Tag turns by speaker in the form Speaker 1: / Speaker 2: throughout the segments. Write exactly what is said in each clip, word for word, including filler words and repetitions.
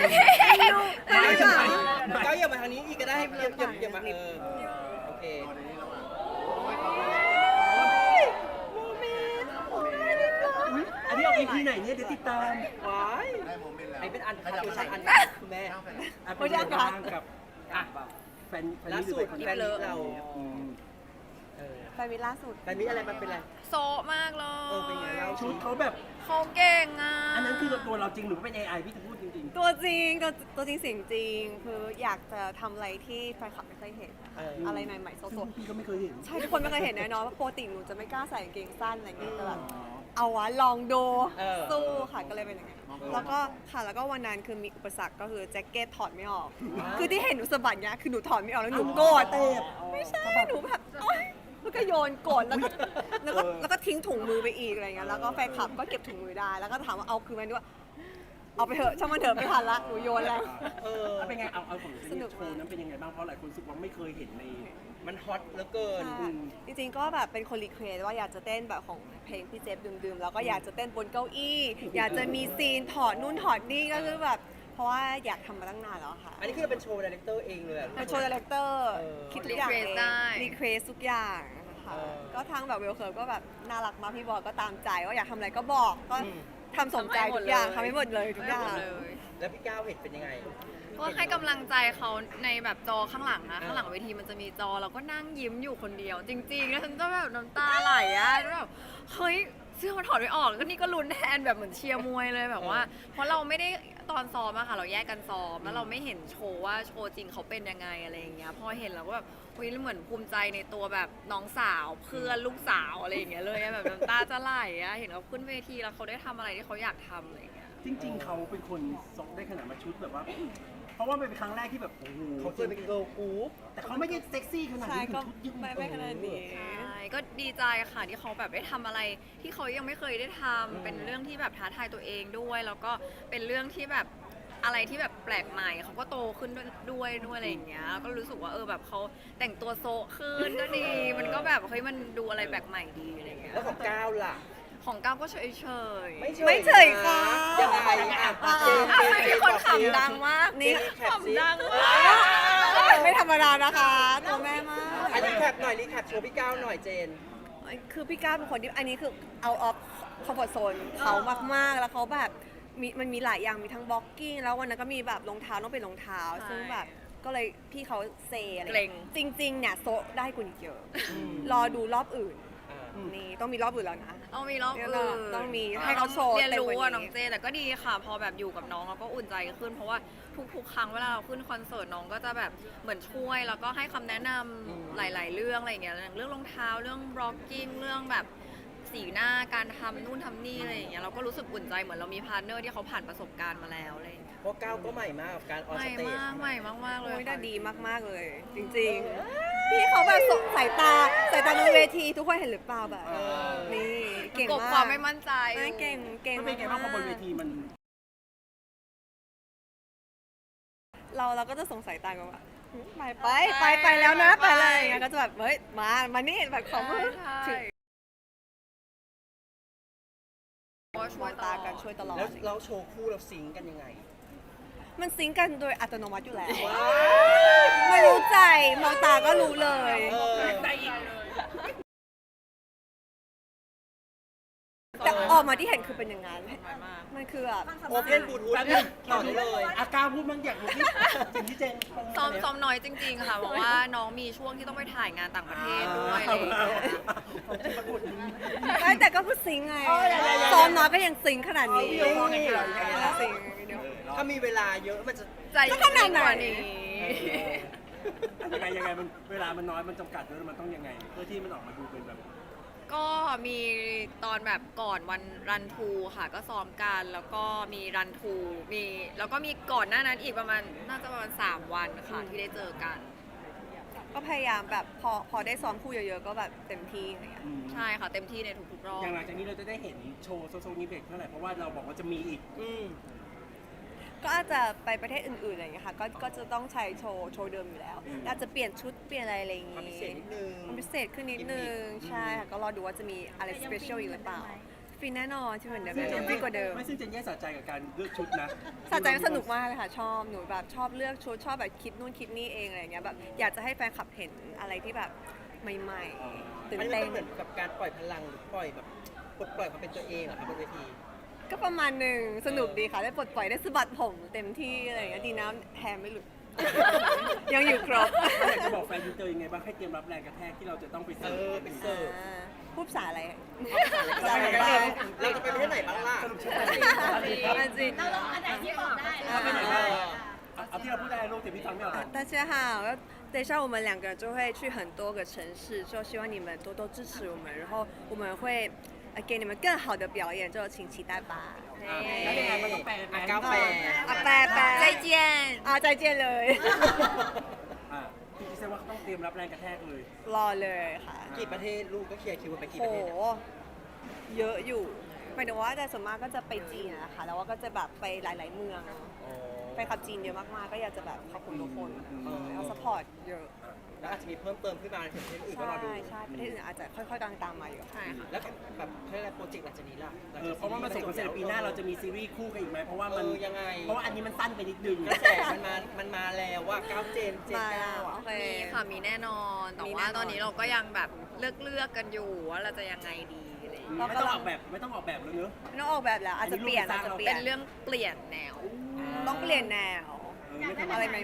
Speaker 1: ไม่ได้มาก็อย่ามาทางนี้อีกก็ได้อย่าอย่าอย่ามาเออโอเค
Speaker 2: อันนี้ออกอีพีไหนเนี่ยเดี๋ยวติดตาม
Speaker 1: ว้าย
Speaker 3: ได้โมเมนต์แล้ว
Speaker 1: ไอ้เป็นอันคัดเวอร์ชันอันคุณแม่
Speaker 2: อ่ะเป็นยังไงบ้างกับอ่ะแฟนแฟน
Speaker 1: ล่า
Speaker 2: นี่
Speaker 1: สุด
Speaker 2: เป็นคน
Speaker 1: แฟนมิตรเรา
Speaker 2: อืม
Speaker 1: เออ
Speaker 4: แฟนมิตรล่าสุด
Speaker 1: แฟนมิตรอะไรมันเป็นอะไร
Speaker 5: โซะมากเล
Speaker 1: เออเป็นไง
Speaker 5: ย
Speaker 1: เล่า
Speaker 2: ชุดเขาแบบ
Speaker 5: เขาเก่งอ่ะ
Speaker 2: อันนั้นคือตัวเราจริงหรือว่าเป็น เอ ไอ พี่จะพูดจริง
Speaker 4: ตัวจริงตัวตัวจริงเสียงจริง คืออยากจะทำอะไรที่แฟนคลับไม่เคยเห็น
Speaker 1: เออ
Speaker 4: อะไรใหม่ๆ
Speaker 2: ๆ
Speaker 4: ส
Speaker 2: ซึ่ง
Speaker 4: ด
Speaker 2: พี่ก็ไม่เคยเห็น
Speaker 4: ๆใช่ทุกคนไม่เคยเห็นแน่นอนเพราะปกติหนูจะไม่กล้าใส่กางเกงสั้นอะไรอย่างเงี้ยแต่แบบ
Speaker 2: อ๋อ
Speaker 4: เอาวะลองดู
Speaker 1: เออ
Speaker 4: สู้ค่ะก็เลยเป็นอย่างไงยแล้วก็ค่ะแล้วก็วันนั้นคือมีอุปสรรคก็คือแจ็คเก็ตถอดไม่ออก คือที่เห็นหนูสะบัดเนี้ยคือหนูถอดไม่ออกแล้วหนูโกรธ
Speaker 2: เต้
Speaker 4: ไม่ใช่หนูแบบโอ๊ยแล้วก็โยนโกรธแล้วก็แล้วก็แล้วก็ทิ้งถุงมือไปอีกอะไรเงี้ยแล้วก็แฟนคลับก็เก็บถุงมือได้ แล้วก็ถามว่าเอาคืนไหมด้วยเอาไปเถอะช่างมันเถอะไม่ทันละหนูโยนแล้ว
Speaker 1: เออ
Speaker 2: แล้วเป็นไงเอาเอาของ
Speaker 4: สนุก
Speaker 2: โชว์นั้นเป็นยังไงบ้างเพราะหลายคนรู้สึกว่าไม่เคยเห็นใน
Speaker 1: มันฮอตเหลือเกิน
Speaker 4: ค่ะจริงๆก็แบบเป็นคนรีเควสว่าอยากจะเต้นแบบของเพลงพี่เจฟดื่มๆแล้วก็อยากจะเต้นบนเก้าอี้ อยากจะมีซีนถอดนู่นถอดนี่ก็คือแบบเพราะว่าอยากทำมาตั้งนานแล้วค่ะ
Speaker 1: อันนี้คือเป็นโชว์ดีเรคเตอร์เองเลยอะ
Speaker 4: เป็นโชว์ดีเรคเตอร์
Speaker 1: เออ
Speaker 4: คิดทุกอย่างเองรีเควสทุกอย่างนะคะ
Speaker 1: เออ
Speaker 4: ก็ทางแบบเวลเคิร์ก็แบบน่ารักมากพี่บอยก็ตามใจว่าอยากทำอะไรก็บอกก็
Speaker 1: อืม
Speaker 4: ทำสมใจทุกอย่างทำให้หมดเลยทุกอย่าง
Speaker 5: ทำให้หมดเลย
Speaker 1: แล้วพี่ก้าวเห็นเป็นยังไง
Speaker 5: ก็ให้กำลังใจเขาในแบบจอข้างหลังนะข้างหลังเวทีมันจะมีจอเราก็นั่งยิ้มอยู่คนเดียว จริงๆแล้วฉันก็แบบน้ำตาไหลอ่ะแล้วแบบเฮ้ยเสื้อมันถอดไม่ออกก็นี่ก็ลุ้นแทนแบบเหมือนเชียร์มวยเลยแบบว่า เพราะเราไม่ได้ตอนซ้อมอะค่ะเราแยกกันซ้อมแล้วเราไม่เห็นโชว์ว่าโชว์จริงเขาเป็นยังไงอะไรอย่างเงี้ยพอเห็นแล้วก็แบบเฮ้ยเหมือนภูมิใจในตัวแบบน้องสาวเพื่อนลูกสาวอะไรอย่างเงี้ยเลยอะแบบน้ำตาจะไหลอะเห็นเขาขึ้นเวทีแล้วเขาได้ทำอะไรที่เขาอยากทำอะไรอย่างเงี้ย
Speaker 2: จริง ๆ เขาเป็นคนซกได้ขนาดมาชุดแบบว่า เพราะว่ามันเป็นครั้งแรกที่แบบโอ้โห
Speaker 1: เขาเคยเป็นเกิร์ลกรุ๊ป
Speaker 2: แต่เขาไม่ได้เซ็กซี่ขนาด
Speaker 4: ใช่
Speaker 2: นี้
Speaker 4: ก็
Speaker 2: คือชุดยิ่ง
Speaker 4: ไม่ไม่ขนาดนี้
Speaker 5: ใช่ก็ดีใจค่ะที่เขาแบบได้ทำอะไรที่เขายังไม่เคยได้ทำเป็นเรื่องที่แบบท้าทายตัวเองด้วย แล้วก็เป็นเรื่องที่แบบอะไรที่แบบแปลกใหม่เขาก็โตขึ้นด้วยด้วยด้วยอะไรอย่างเงี้ยก็รู้สึกว่าเออแบบเขาแต่งตัวโซะขึ้นก็ดี มันก็แบบเฮ้ยมันดูอะไรแปลกใหม่ดีอะไรอย่างเงี้ย
Speaker 1: แล้วของก้าวล่ะ
Speaker 5: ของก้าวก็เฉยเฉยๆ
Speaker 1: ไม่เฉย
Speaker 4: ไม่เฉยค่ะ
Speaker 1: ยังไงอ่ะ
Speaker 4: อ่า
Speaker 1: เจน
Speaker 5: อ้าว
Speaker 1: เจน
Speaker 5: มี
Speaker 1: เจน
Speaker 5: คน
Speaker 1: ตอบสิ
Speaker 5: ขำดังมาก
Speaker 4: นี่
Speaker 1: รีแคปสิ
Speaker 5: ขำดังมาก
Speaker 4: ไม่ธรรมดานะคะตัวแม่มาก
Speaker 1: อันนี้แคปหน่อยรีแคปโชว์พี่ก้าวหน่อยเจน
Speaker 4: คือพี่ก้าวเป็นคนที่อันนี้คือเอาออฟคอมฟอร์ทโซนเขามากๆ แล้วเขาแบบมีมันมีหลายอย่างมีทั้งบล็อกกิ้งแล้ววันนั้นก็มีแบบรองเท้าต้องเป็นรองเท้า
Speaker 5: ใช่
Speaker 4: ซึ่งแบบก็เลยพี่เขาเซอะไร
Speaker 5: เกรง
Speaker 4: จริงๆเนี่ยโซะได้กว่านี้เยอะ
Speaker 1: อืม
Speaker 4: รอดูรอบอื่น
Speaker 1: อ่า
Speaker 4: นี่ต้องมีรอบอื่นแล้วนะ
Speaker 5: ต้องมีรอบ
Speaker 4: เดี๋ยว
Speaker 5: อื่
Speaker 4: เรา
Speaker 5: น
Speaker 4: ต้องมีให้เขาโชว์
Speaker 5: เรียนรู้
Speaker 4: เต็มกว่า
Speaker 5: อะ
Speaker 4: นี้
Speaker 5: น้องเจแต่ก็ดีค่ะ พอแบบอยู่กับน้องเราก็อุ่นใจขึ้น เพราะว่าทุกๆ ครั้งเวลาเราขึ้นคอนเสิร์ตน้องก็จะแบบเหมือนช่วย แล้วก็ให้คำแนะนำ
Speaker 1: อืม
Speaker 5: หลาย ๆ เรื่องอะไรอย่างเงี้ยอย่างเรื่องรองเท้าเรื่องบล็อกกิ้งเรื่องแบบสีหน้าการทำนู่นทำนี่อะไรอย่างเงี้ยเราก็รู้สึกอุ่นใจเหมือนเรามีพาร์ทเนอร์ที่เขาผ่านประสบการณ์มาแล้วอะไรอย่างเงี้ย
Speaker 1: เพราะก้าวก็ใหม่มากกับการออน
Speaker 5: ใหม่
Speaker 1: สเตจ
Speaker 5: มากใหม่มากๆเลย
Speaker 4: โอ้ย
Speaker 5: ค่ะ
Speaker 4: น่าดีมากๆเลย จริงๆ พี่เขาแบบส่งสายตาสายตาบนเวทีทุกคนเห็นหรือเปล่าแบบ
Speaker 1: เออ
Speaker 4: นี่เก่ง
Speaker 5: กบ
Speaker 4: มาก
Speaker 5: ความไม่มั่นใจ
Speaker 4: ไม่เก่งเก่ง
Speaker 2: มันเป็นไงบ้างพอบนเวทีมัน
Speaker 4: เราเราก็จะสงสัยตามกันว่าไปไปไปไปแล้วนะไปเลยอย่างเงี้ยก็จะแบบเฮ้ยมามานี่แบบเขา
Speaker 5: ใช่
Speaker 4: ถึง
Speaker 5: ช่
Speaker 4: ม
Speaker 5: ว
Speaker 4: อย ง
Speaker 5: ต
Speaker 4: ตา
Speaker 5: ลอ
Speaker 4: กัน
Speaker 5: ด
Speaker 4: ช่วยตลอด
Speaker 1: แล้วเราโชว์คู่เราซิงค์กันยังไง
Speaker 4: มันซิงก์กันโดยอัตโนมัติอยู่แล้ว
Speaker 1: ว้า
Speaker 4: ไม่รู้ใจมองตาก็รู้เลย
Speaker 1: เออ
Speaker 4: แต่ออกมาที่เห็นคือเป็นอย่างนั้น
Speaker 5: มาก
Speaker 4: มันคือแบบ
Speaker 1: โอเพนบลูทูธเนี่ยต่อได้เลย
Speaker 2: อาการพูดบางอย่างของที่สิ่งที่เจน
Speaker 5: ซ้อมซ้อมน้อยจริงๆค่ะ เพราะว่าน้องมีช่วงที่ต้องไปถ่ายงานต่างประเทศด้วยอะไรอย่างเงี้ย
Speaker 4: ไม่แต่ก็พูดซิงค์ไงซ้อมน้อยก็ยังซิงค์ขนาดนี้
Speaker 1: เอาดิ
Speaker 4: ซิงค์เดี๋ยว
Speaker 1: ถ้ามีเวลาเยอะมันจะ
Speaker 5: ใจ
Speaker 4: จะขนาดไหน
Speaker 5: กว่านี้
Speaker 2: ยังไงยังไงมันเวลามันน้อยมันจำกัดด้วยมันต้องยังไง เพื่อที่มันออกมาดูเป็นแบบ
Speaker 5: ก็มีตอนแบบก่อนวันรันทูค่ะ ก็ซ้อมกันแล้วก็มีรันทูมีแล้วก็มีก่อนหน้านั้นอีกประมาณน่าจะประมาณสามวันค่ะที่ได้เจอกัน
Speaker 4: ก็พยายามแบบพอพอได้ซ้อมคู่เยอะๆก็แบบเต็มที่อะไรเงี้ย
Speaker 5: ใช่ค่ะ เต็มที่ในทุกๆรอบ
Speaker 2: อย่างหลังจากนี้เราจะได้เห็นโชว์โซโซนิเบกเท่าไหร่เพราะว่าเราบอกว่าจะมีอีก
Speaker 1: อืม
Speaker 4: ก็อาจจะไปประเทศอื่นๆอะไรอย่างเงี้ยค่ะก็ก็จะต้องใช้โชว์โชว์เดิมอยู่แล้วอาจจะเปลี่ยนชุดเปลี่ยนอะไรอะไรอย่าง
Speaker 1: ความพิ
Speaker 4: งี้
Speaker 1: เศษนิดนึง
Speaker 4: ความพิเศษขึ้นนิดนึงใช่ค่ะก็รอดูว่าจะมีอะไรสเปเชียลอีกหรือเปล่าแฟฟินแน่นอนที่เหมือนเดิมฟินกว่าเดิม
Speaker 2: ไม่ซึ่งเจนแย่สะใจกับการเลือกชุดนะ
Speaker 4: สะใจสนุกมากเลยค่ะ ชอบหนูแบบชอบเลือกชุดชอบแบบคิดนู่นคิดนี่เองอะไรอย่างเงี้ยแบบอยากจะให้แฟนคลับเห็นอะไรที่แบบใหม่ๆตื่น
Speaker 1: อันนี้
Speaker 4: เต้
Speaker 1: มัน นเหมือนกับการปล่อยพลังหรือปล่อยแบบปลดปล่อยความเป็นตัวเองเหรอครับบนเวที
Speaker 4: ก็ประมาณหนึ่งสนุกดีค่ะ ได้ปลดปล่อยได้สะบัดผมเต็มที่อะไรอย่างเงี้ยดีนะแฮมไม่หลุด ยังอยู่ครบ
Speaker 2: อยากจะบอกแฟนยูเตอร์ยังไงบ้างให้เตรียมรับแรงกระแทกที่เราจะต้องไป
Speaker 1: เอ
Speaker 2: เสิร์
Speaker 1: อ
Speaker 2: ฟ
Speaker 1: เป็นเสิร์ฟ
Speaker 4: อ่าพูดภาษาอะไร
Speaker 1: เราจะไปเราจะไปประเทศไหนบ้างล่ะ
Speaker 2: สรุปใช่ไหม
Speaker 4: อันจีน
Speaker 3: อันไหนที่บอกได้
Speaker 2: เอาไปไหนบ้างเอาเอาที่เราพูดได้ลูกแต่พี่ฟังไม่ออก
Speaker 4: 大家好，等一下我们两个人就会去很多个城市，就希望你们多多支持我们，然后我们会呃给你们更好的表演，就请期待吧。
Speaker 2: แล้วยังไงมันต้องแปลไหม
Speaker 1: อ่ะก้าวแปล
Speaker 4: 啊，拜拜，
Speaker 5: 再见
Speaker 4: 啊，再见เลย
Speaker 2: อ่าพี่คิดว่าเขาต้องเตรียมรับแรงกระแทกเลย
Speaker 4: รอเลยค่ะ
Speaker 1: กี่ประเทศลูกก็เคลียร์คิวไปกี่
Speaker 4: โห
Speaker 1: ประเทศอะ
Speaker 4: เยอะอยู่หมายถึงว่าแต่ส่วนมากก็จะไปจีนนะคะแล้วว่าก็จะแบบไปหลาย ๆ เมือง
Speaker 1: อ๋อ
Speaker 4: ไปขับจีนเยอะมากๆ ก็อยากจะแบบขอบคุณทุกคน
Speaker 1: เออ
Speaker 4: แล้วสปอร์ตเยอะ
Speaker 1: แล้วอาจจะมีเพิ่มเติมขึ้นมาในประเทศอื่นก็
Speaker 4: ใช่
Speaker 1: รอดู
Speaker 4: ใช่ประเทศอื่นอาจจะค่อยๆกำลังตามมาอยู่
Speaker 5: ใช่ค่ะ
Speaker 1: แล้วแบบเขาเรียกอะไรโปรเจกต์หลังจากนี้ล่ะหลัง
Speaker 2: เอ
Speaker 1: จ
Speaker 2: อก เพราะว่ามันส่งคอนเสิร์ตปีหน้าเราจะมีซีรีส์คู่กันอีกไหมเพราะว่ามัน
Speaker 1: เออยังไง
Speaker 2: เพราะว่าอันนี้มันสั้นไปนิดนึง
Speaker 1: กระแสมันมา มันมาแล้วว่าก้าวเจน เจน
Speaker 4: มา
Speaker 1: ก้าวอ่ะ
Speaker 4: โอเค
Speaker 5: มีค่ะมีแน่นอน แต่
Speaker 4: มีแน่
Speaker 5: ว่าน
Speaker 4: อน
Speaker 5: ตอนนี้เราก็ยังแบบเลือกเลือกๆกันอยู่ว่าเราจะยังไงดีอะไรอย่างเงี้ย
Speaker 2: ไม่ต้องออกแบบไม่ต้องออกแบบแล้วเนอะ
Speaker 4: ไม่ต้องออกแบบแล้วอาจจะเปลี่ยน
Speaker 2: อั
Speaker 4: อาน จ
Speaker 2: นี้
Speaker 4: จะ
Speaker 2: ลูก
Speaker 4: เปลี่ย
Speaker 5: เป็น นเรื่องเปลี่ยนแนว
Speaker 4: ต้องเปลี่ยนแนว
Speaker 2: เออไม่ทำ
Speaker 4: อะไรใหม่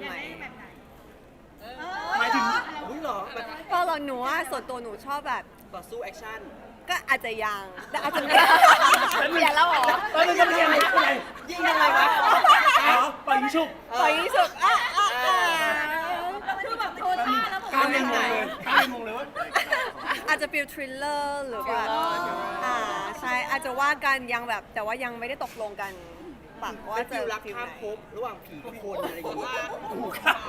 Speaker 2: หมายถึง
Speaker 1: อุ้ยเหรอแบบ
Speaker 4: ๆเพราะเราหนูว่าส่วนตัวหนูชอบแบบ
Speaker 1: ต่อสู้แอคชั่น
Speaker 4: ก็อาจจะยังแต่อาจจะ
Speaker 5: เปลี่ยนแล้วเหรอ
Speaker 2: เออมันจะเรียนอะไร
Speaker 1: ยิ่งยังไงวะ
Speaker 2: อ๋อปล่อยยิงชุบ
Speaker 4: ปล่อยที่สุดอ่ะอ่ะอ่ะ
Speaker 3: คือแบบโทรท่าแล้วบอก
Speaker 2: การเรียนงงเลยการเรียนงงเลยว่า
Speaker 4: อาจจะฟิลทริลเลอร์หรือว่าอ่าใช่อาจจะว่ากันยังแบบแต่ว่ายังไม่ได้ตกลงกันแบบว่า
Speaker 1: เป็น
Speaker 4: จะ
Speaker 1: ฟิลรัก
Speaker 4: ฟิล
Speaker 1: ข้าม
Speaker 4: ไหน
Speaker 1: ภพระหว่างผีกับคนอะไรอย่างเงี้ย
Speaker 2: ถูกค่ะ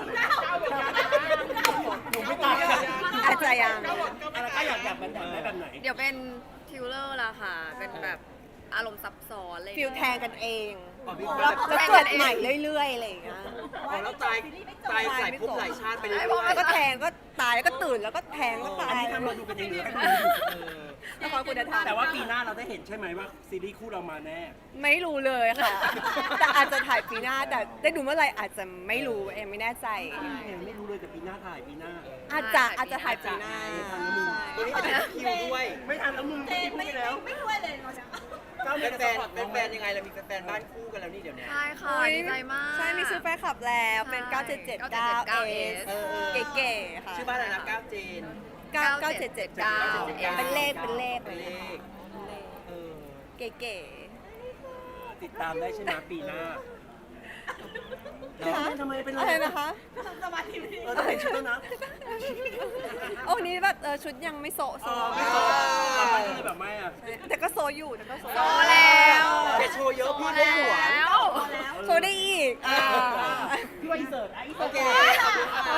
Speaker 2: หนูไม่ตายอะ
Speaker 4: อาจจะยัง
Speaker 2: อะไรก็อยากอยากแบบไหนแบบไหน
Speaker 5: เดี๋ยวเป็นทิวเลอร์ละค่ะ เป็นแบบอารมณ์ซับซ้อนเลย
Speaker 4: ฟิลแทงกันเอง
Speaker 1: อ๋อมี
Speaker 4: แล้วแล้วเกิดใหม่เรื่อยๆอะไรอย่างเงี้ย
Speaker 1: อ๋อแล้วตายตายหลายภพหลายชาติไปเรื่อย
Speaker 4: แล้วก็แทงก็ตายแล้วก็ตื่นแล้วก็แทงก็ตา
Speaker 2: อัน
Speaker 4: ย
Speaker 2: นี้ทำมาดูกันเองหรือให้คนดู
Speaker 1: ๆเออ
Speaker 4: ละครคุณธรรม
Speaker 2: แต่ว่าปีหน้าเราได้เห็นใช่ไหมว่าซีรีส์คู่เรามาแน่
Speaker 4: ไม่รู้เลยค่ะ แต่อาจจะถ่ายปีหน้าแต่ได้ดูเมื่อไหร่อาจจะไม่รู้เองไม่แน่ใจ
Speaker 2: ไม่รู้เลยแต่ปีหน้าถ่ายปีหน้า
Speaker 4: อาจจะอาจจะถ่ายปีหน้า
Speaker 1: ตัวนี้เป็นคิวด้วย
Speaker 2: ไม่ทันแล้วมึงไม่พูดแล้ว
Speaker 3: ไม่ช่วยเลยเราจะ
Speaker 2: ก้าว
Speaker 1: เป็
Speaker 2: เม
Speaker 1: น
Speaker 2: ก
Speaker 1: แฟนเป็นแฟนยังไงเรามีแฟนบ้านคู่กันแล้วนี่เดี๋ยวนี้
Speaker 5: ใช่ค่ะ
Speaker 4: โอ้ย
Speaker 5: ดีใจมาก
Speaker 4: ใช่มีซื้อแฟนคลับแล้วเป็น
Speaker 5: ใช่
Speaker 4: เก้าเจ็ดเจ็ดเก้า เอ
Speaker 5: เอ
Speaker 4: ส
Speaker 1: เออ
Speaker 4: เก๋ๆค่ะ
Speaker 1: ชื่อบ้านอะไรนะก้าวเจน
Speaker 4: เก้าเก้าเจ็ดเจ็ดเก้าเป็นเลขเป็นเลข
Speaker 1: เป็นเลขเออ
Speaker 4: เก๋
Speaker 2: ติดตามได้ใช่ไหมปีหน้า
Speaker 4: ๆนะคะ
Speaker 2: ทำไมเป็น
Speaker 4: อะไรนะคะ
Speaker 3: สมาธิไม่ดี
Speaker 2: เออต้องเห็นชุดแล้วนะ
Speaker 4: โอ้นี้แบบเออชุดยังไม่โซะโซ
Speaker 2: อ๋อไม่โซมันก็เลยแบบไม่อ่ะ
Speaker 4: แต่ก็โซอยู่แต่ก็โซ
Speaker 5: โตแล้ว
Speaker 1: อย่าโชว์เยอะพี่ไม่หวง
Speaker 5: แล้ว
Speaker 4: โซได้อีกอ่า
Speaker 2: พี่ว่าอินเสิร์ตอ่ะอิน
Speaker 1: โอ
Speaker 2: เสิร์ต
Speaker 1: เค
Speaker 4: ขอบคุณค่ะ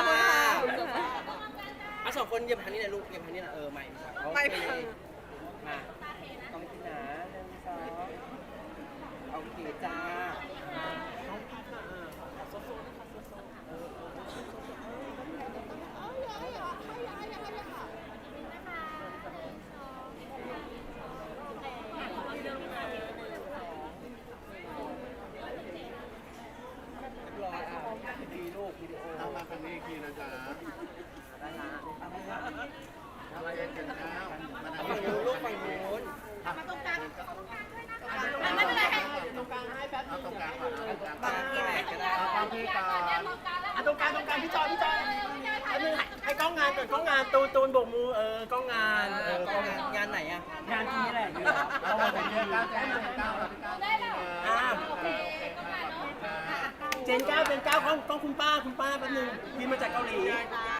Speaker 1: อ่ะสองคนเหยียบทางนี้หนะลูกเหยียบทางนี้หนะเออไม่ครับโอ
Speaker 4: ไม่
Speaker 1: เค
Speaker 4: พัง
Speaker 1: มาต้องที่นะหนึ่งสองโอเคจ้า รออ่ะดีลูกวิดีโอ
Speaker 6: เอามาครั้งนี้อีกทีนะจ๊ะ
Speaker 1: ได้ละ
Speaker 6: อะไรกันกันข้าวมัน
Speaker 1: เอาฝั่งนู้นลูกฝั่งนู้น
Speaker 3: มาตรงกลาง
Speaker 6: ไม่เป็นไรตรงกลางให้แป๊บเอาตรงกลางก่อนเอาตรงกลาง
Speaker 1: บางที่ไหนก็ได้
Speaker 6: เอาความที่ก่อน
Speaker 2: อ่ะตรงกลางตรงกลางพี่จอยพี่จอยอันนึงให้กล้องงานก่อนกล้องงานตูนตูนโบกมือเออกล้องงาน
Speaker 1: เออของานงานไหนอ่ะ
Speaker 2: งานที่นี่แหละอยู่
Speaker 6: เอา
Speaker 2: เอา
Speaker 6: มา
Speaker 2: มา
Speaker 6: ตร
Speaker 2: ตรง ง
Speaker 6: นี้
Speaker 2: นี้
Speaker 6: ก้าวแจ้งก้าวก้าวได้แล้ว
Speaker 2: อ่าเจนเก้าเจนเก้ากล้องกล้องคุณป้าคุณป้าแป๊บนึงพี่มาจากเกาหลี